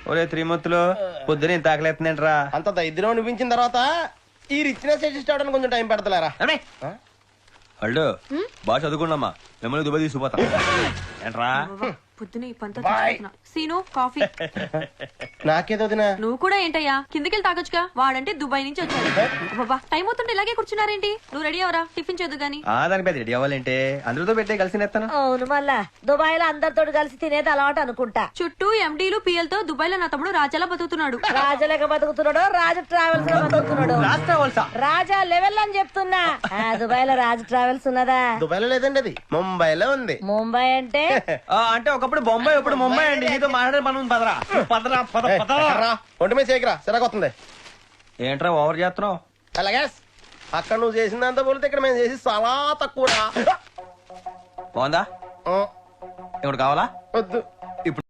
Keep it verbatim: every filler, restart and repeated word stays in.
ఒరే త్రిమూర్తులు పొద్దున ఇంత ఆకలేస్తుందంటరా. అంత దరిద్రం అనిపించిన తర్వాత ఈ రిచ్నెస్ అడ్జస్ట్ అవడానికి కొంచెం టైం పెడతలేరా? అల్లు బాగా చదువుకున్నామ్మా, మిమ్మల్ని దుబాయ్ తీసుకుపోతాం ఏంట్రా. పొద్దున ఈ పంత సీను కాఫీ. నాకేదో దినా నువ్వు కూడా ఏంటయ్యా కిందకెళ్ళి తాగొచ్చుగా, వాడంటే దుబాయ్ నుంచి వచ్చాడు. బాబా టైం అవుతుంటే ఇలాగే కూర్చున్నారేంటి? నువ్వు రెడీ అవరా, టిఫిన్ చేద్దు గాని. ఆ దాని పెద్ద రెడీ అవ్వాలంటే అందరితో పెట్టే కలిసి నేస్తాను. అవును మళ్ళా దుబాయ్ లో అందరితో కలిసి తినేది అలవాటు అనుకుంటా. చుట్టూ ఎండీలు పిఎల్తో దుబాయ్ లో నా తమ్ముడు రాజాలా బతుకుతున్నాడు. రాజలేక బతుకుతున్నాడు, రాజు ట్రావెల్స్ లో బతుకుతున్నాడు. రాజా లెవెల్ అని చెప్తున్నా. ఆ దుబాయ్ లో రాజు ట్రావెల్స్ ఉన్నదా? దుబాయ్ లో లేదండి, అది ముంబైలో ఉంది. ముంబై అంటే అంటే ఒకప్పుడు బొంబాయి, ఇప్పుడు ముంబై అండి. నీతో మాట్లాడే పని ఉంది, పదరా పదరా పద పదరా. ఒంటి మీద చేయకరా, సిరాకొస్తుంది. ఏంట్రా ఓవర్ చేస్తున్నావు? అలాగే అక్కడ నువ్వు చేసిందంతా పోలితే ఇక్కడ మేము చేసి చాలా తక్కువ. బాగుందా? ఇప్పుడు కావాలా? వద్దు. ఇప్పుడు